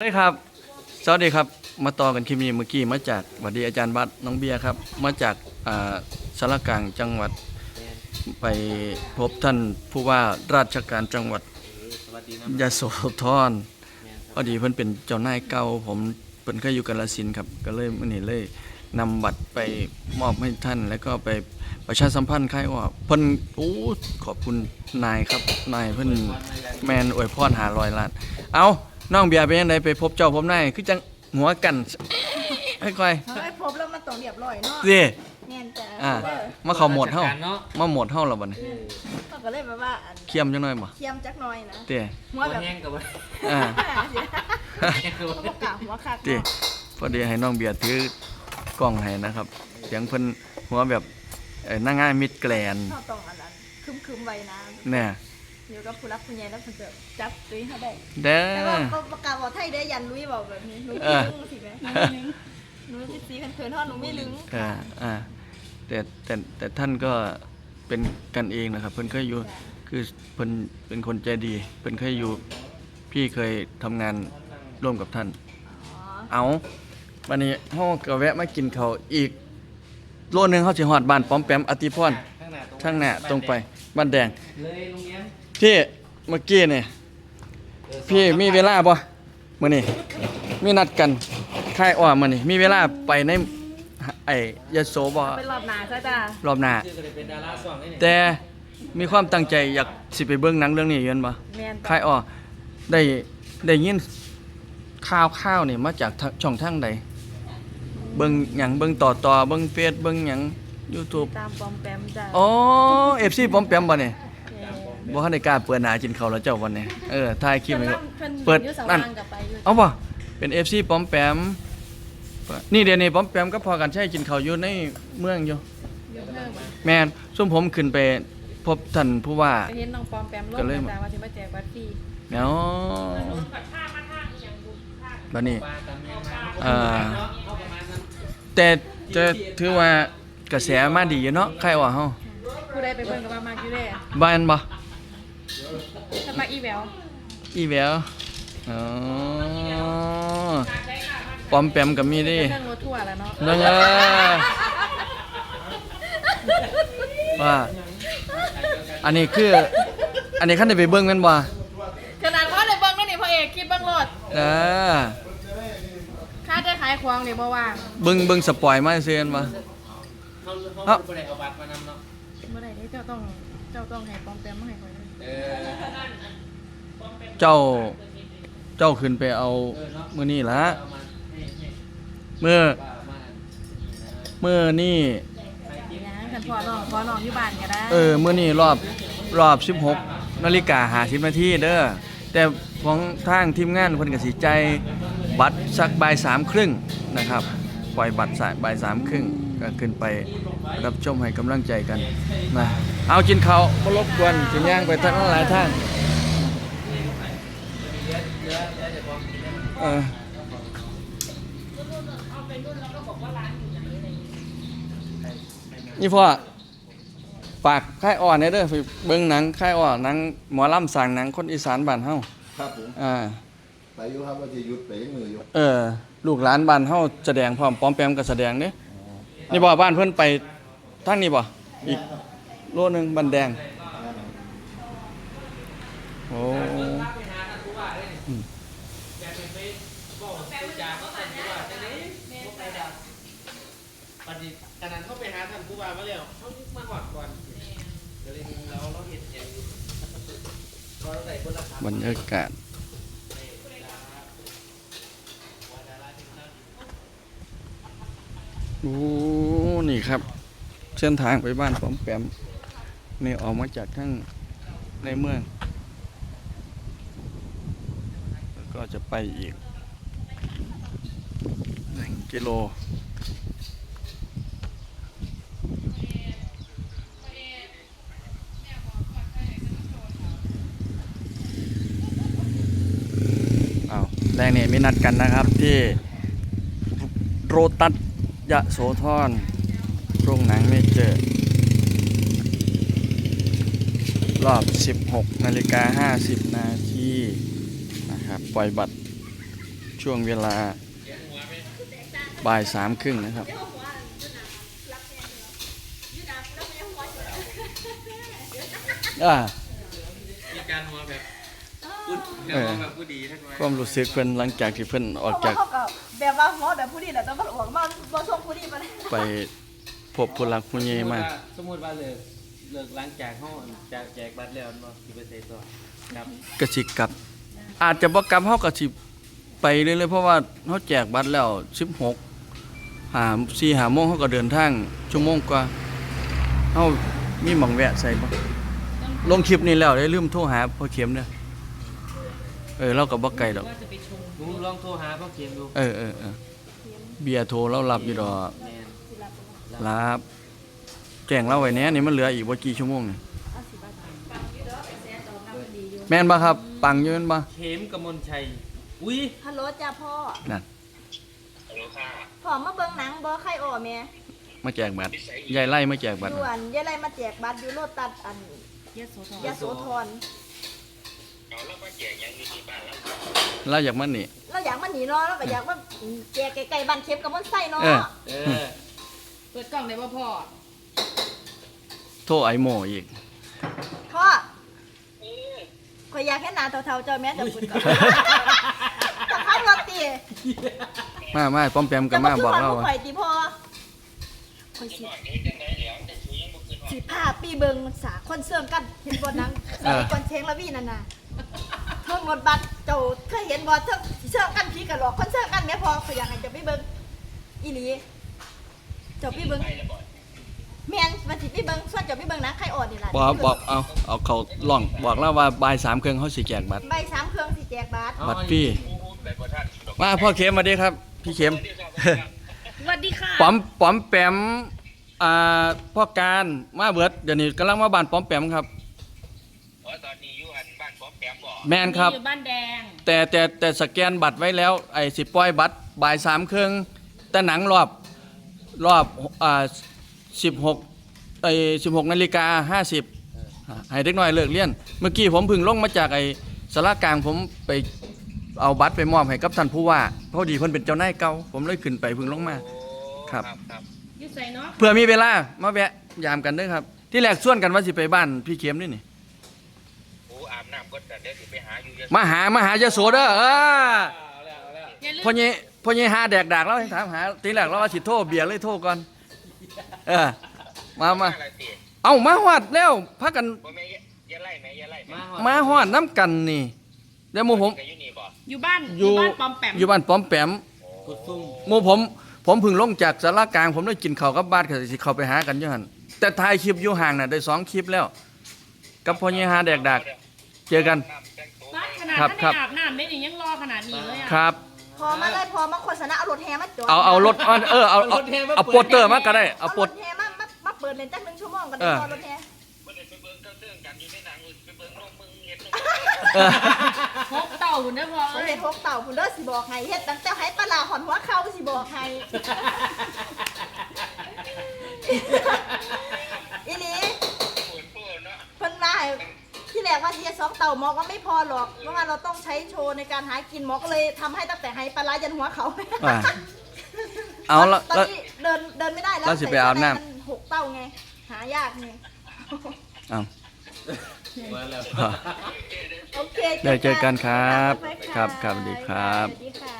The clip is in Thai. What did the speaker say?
ได้ครับสวัสดีครับมาต่อกันคลิปนี้เมื่อกี้มาจากสวัสดีอาจารย์บัตรน้องเบียร์ครับมาจากสารกลางจังหวัดไปพบท่านผู้ว่าราชการจังหวัดยโสธรพอดีเพิ่นเป็นเจ้านายเก่าผมเพิ่นเคยอยู่กาฬสินธุ์ครับก็เลยมื้อนี้เลยนำบัตรไปมอบให้ท่านแล้วก็ไปประชาสัมพันธ์ค่ายว่าเพิ่นโอ้ขอบคุณนายครับนายเพิ่นแมนอวยพร500 ล้านเอาน้องเบียร์เป็นยังไงไปพบเจ้าพบนายคือจังหัวกันค่อยเฮ้ยพบแล้วมันต้องเรียบร้อยเนาะๆสิแน่นจ้ะมาเข้าโหมดเฮามาโหมดเฮาแล้วบัดนี้เขาก็เลยแบบว่าเคียมจังหน่อยบ่เคียมจักหน่อยนะเต้หัวแบบแห้งกับว่าอ่าเขาบอกกล่าวหัวคักเต้พอดีให้น้องเบียร์ถือกล้องให้นะครับเสียงเพิ่นหัวแบบนางงามมิดแกรนด์เขาต้องอันนั้นคึมๆไว้นะแน่อยู่กับผู้รักผู้ใหญ่แล้วเพิ่นจะจับตุ้ยเขาได้เด้แต่ว่าอก็ประกาศบอกไทยได้ยันลุยบอกแบบนี้หนูเอไม่อลึงสิแม่หนูสิสีเขินๆทอดหนูไม่ลึงแต่ท่านก็เป็นกันเองนะครับเพิ่นเคยอยู่คือเพิ่นเป็นคนใจดีเพิ่นเคยอยู่พี่เคยทำงานร่วมกับท่านอ๋อเอาวันนี้เฮาก็แวะมากินข้าวอีกโลนึงเฮาสิฮอดบ้านป้อมแปมอติพรข้างหน้าตรงไปบ้านแดงเลยโรงเรียนพี่เมื่อกี้นี่พี่มีเวลาบ่มื้อนี้มีนัดกันค่ายอ้อมื้อนี้มีเวลาไปในไอ้ยโสบ่เป็นรอบหนาซะจ้ะรอบหน้าชื่อก็เลยเป็นดาราสองนี่เนี่ยแต่มีความตั้งใจอยากสิไปเบิ่งหนังเรื่องนี้อยู่แม่นบ่แม่นค่ายอ้อได้ยินข่าวนี่มาจากช่องทางใดเบิ่งหยังเบิ่งต่อเบิ่งเฟซเบิ่งหยัง YouTube ตามปอมแปมจ้ะอ๋อ FC ป้อมแปมบ่เนี่ยบ่ทันได้กล้าเปิดหน้ากินข้าวแล้วเจ้าวันนี้ถ่ายคลิปไว้ก่อน เปิดนั่นั่นนกับไปอยู่เอาบ่เป็น FC ป้อมแปมนี่เดี๋ยวนี้ป้อมแปมก็พอกันใช้กินข้าวอยู่ในเมืองอยู่อยู่เพิ่มอ่ะแม่นซุมผมขึ้นไปพบท่านผู้ว่าไปเห็นน้องปอมแปมก็เลยจ้ะว่าสิมาแจกบัตรฟรีเนาะบัดนี้ปลาตามเมียมาเข้าประมาณนั้นแต่จะถือว่ากระแสมาดีอยู่เนาะใครว่าเฮาผู้ใดไปเบิ่งกับมากอยู่เด้บ้านบ่ถ้ามาอีแววอีแววอ๋อปอมแปมก็มีเดิเครื่องรถทั่วร์แล้วเนาะนั่นว่าอันนี้คืออันนี้คันได้ไปเบิ่งแม่นบ่ขนาดพ่อเลยเบิ่งนั่นนี่พ่อเอกคิดเบิ่งรถเออค่าจะขายของนี่บ่ว่างเบิ่งสปอยมาซื่อๆบ่เขาไม่ได้เอาบัตรมานำเนาะบ่ได้เด้เจ้าต้องให้ปอมแปมมาให้ข่อยเลยเออเจ้าขึ้นไปเอามื้อนี้ล่ะเอามาให้มื้อป้าเอามามื้อนี้ยังคันพ่อน้องอยู่บ้านก็ได้มื้อนี้รอบ 16:50 นาทีเด้อแต่ของทางทีมงานเพิ่นก็สิจ่ายบัตรสักบ่าย3:30นะครับปล่อยบัตรบ่าย3:30ก็ขึ้นไปรับชมให้กำลังใจกันนะเอากินข้าวบ่รบกวนสิย่างไปทางหลายทางนี่พ่อฝากค่ายอ่อนเด้อไปเบิ่งหนังค่ายอ่อนหนังหมอลำสร้างหนังคนอีสานบ้านเฮาครับผมอ่าไปอยู่ครับว่าจะหยุดไปยังมืออยู่ลูกหลานบ้านเฮาแสดงพร้อมป้อมแปมก็แสดงเด้นี่บ่บ้านเพิ่นไปทางนี้บ่อีกโลนึงบันแดงโอ้อืมปฏิขนาดเขาไปหาท่านผู้ว่ามาแล้วเขามาหอดก่อนก็เลยเราเห็นอย่างอยู่ก็ใส่คนละบรรยากาศโอ้นี่ครับ เส้นทางไปบ้านป้อมแปมนี่ออกมาจากทางในเมืองแล้วก็จะไปอีก1 กิโลแรงนี่มีนัดกันนะครับที่โรตัสยโสธรโรงหนังไม่เจอรอบ 16:50 นาทีนะครับปล่อยบัตรชั่วช่วงเวลาบ่าย3:30นะครับอ่ามีการหัวแบบพูดแบบผู้ดีทั้งนั้นความรู้สึกเพิ่นหลังจากที่เพิ่นออกจากเขาก็แบบว่าหมอแบบผู้ดีแหละแต่ว่าออกมาบ่ส่งผู้ดีมาเลยไปพบผู้หลักผู้ใหญ่มาสมมุติว่าเลิกหลังจากห้องจากแจกบัตรแล้วบ่สิไปใส่ตัวครับก็สิกลับ อาจจะบ่กลับเฮาก็สิไปเรื่อยๆเพราะว่าเฮาแจกบัตรแล้ว16 4-5โมงเฮาก็เดินทางชั่วโมงกว่าเฮามีหม่องแวะใส่บ่ลงคลิปนี้แล้วได้ลืมโทรหาพ่อเข็มเด้อเราก็บ่ไกลดอกหนูลองโทรหาพ่อเข็มดูเออเบียร์โทรเรารับอยู่ดอกแม่นรับแจ้งเราไว้แหน่นี่มันเหลืออีกบ่กี่ชั่วโมงนี่แม่นบ่ครับปังอยู่แม่นบ่เข็มกมลชัยอุ้ยฮัลโหลจ้าพ่อนั่นพ่อมาเบิ่งหนังบ่ใครอ้อแม่มาแจกบัตรยายไล่มาแจกบัตรด่วนยายไรมาแจกบัตรอยู่โลตัสอันยโสธรเราอยากมานี่เราอยากมาหนีเนาะเราก็อยากมาแจกไก่ๆบ้านเข็มกับมันไส้เนาะเออเปิดกล่องได้บ่พ่อโทรไอโมอีกพ่อข่อยอยากเห็นหน้าเฒ่าๆเจ้าแม่เจ้าพุ่นก่อนจะขับรถติมาป้อมแปมก็มาบอกเราจะว่าข่อยติพ่อข่อยสิพาปีเบิงสาคนเสื่อมกันเห็นบ่หนังสมัยก่อนเชงละวี่นั่นน่ะเพิ่งรถบัสเจ้าเคยเห็นบ่เทิงสิเสื่อมกันผีกันหลอกคนเสื่อมกันแม่พ่อข่อยอยากให้เจ้าไปเบิ่งอีหลีเจ้าไปเบิ่งแม่นมันสิไปเบิ่งส่วนเจ้าไปเบิ่งหนังใครอ่อนนี่ล่ะบอกเอาเขาล่องบอกเราว่าบ่าย3 เครื่องเขาสิแจกบัตรใบ3เครื่องสิแจกบัตรบัตรฟรีมาพ่อเข็มมาดิครับ พี่เข็มสวัสดีค่ะป๋อมแปมพ่อการมาเบิดเดี๋ยวนี้กำลังมาบ้านป๋อมแปมครับตอนนี้อยู่อันบ้านป้อมแปมบ่แม่นครับอยู่บ้านแดงแต่สแกนบัตรไว้แล้วไอ้สิปล่อยบัตรบ่าย3 เครื่องแต่หนังรอบ16 นาฬิกา 50ให้เด็กน้อยเลิกเรียน เมื่อกี้ผมเพึ่งลงมาจากไอ้สารากลางผมไปเอาบัตรไปมอบให้กับท่านผู้ว่าพอดีเพิ่นเป็นเจ้านายเก่าผมเลยขึ้นไปเพึ่งลงมา ครับอยู่ใส่เนาะเพื่อมีเวลามาแวะยามกันเด้อครับ ที่แรกส่วนกันว่าสิไปบ้านพี่เข็มนี่โอ้อาบน้ำก็แต่เดี๋ยวสิไปหาอยู่ยะมาหายะโสเด้ออย่าลืมพ่อใหญ่หาแดกดากแล้วให้ถามหาทีแรกเราว่าสิโทรเบียร์เลยโทรก่อนมาอะไรติเอามาฮอดแล้วพักกันบ่แม่อย่าไล่แม่อย่าไล่แม่มาฮอดน้ำกันนี่แล้วหมู่ผมก็อยู่นี่บ่อยู่บ้านอยู่บ้านปอมแปมอยู่บ้านป้อมแปมกุดซุ่มหมู่ผมเพึ่งลงจากสารากลางผมได้กินข้าวกับบ้านก็สิเข้าไปหากันอยู่หั่นแต่ถ่ายคลิปอยู่ห่างน่ะได้2 คลิปแล้ว กับพ่อใหญ่หาแดกดากเจอกันน้ำแต่งตัวบ้านขนาดครับท่านได้อาบน้ำได้นี่ยังรอขนาดนี้เลยอ่ะครับพอมาเลยพอมาโฆษณาเอารถแห่มาจอดเอารถเอาโปสเตอร์มาก็ได้เอาเอาโปรสถแห่มาเปิดเล่นจัก1 ชั่วโมงกันเอได้อพอรถแห่บ่ได้ไปเบิ่งเจ้าเสื่องกันอยู่ในหนังไปเบิ่งน้องมึงเฮ็ดพกเต่าหุ่นได้อพ่อผมเอ้ยเฮ็ด6เต่าพุ่นเด้อสิบอกให้เฮ็ดตั้งแต่ให้ปลาร้าหอนหัวเข่าสิบอกให้อีหลีปวดปวดเนาะเพิ่นว่าให้ที่แรกว่าที่จะ2เต่าหมอก็ไม่พอหรอกเพราะว่าเราต้องใช้โชว์ในการหากินหมอก็เลยทำให้ตั้งแต่ให้ปลาร้ายันหัวเขาอ่าเอาละตอนแล้วนี้เดินไม่ได้แล้วแล้วสิไปอาบน้ำใส่เสื้ใมั6เต่าไงหายากไงเอามาแล้วโอเคได้เจอกันครับบ๊ายบายครับสวัสดีครับสวัสดีค่ะ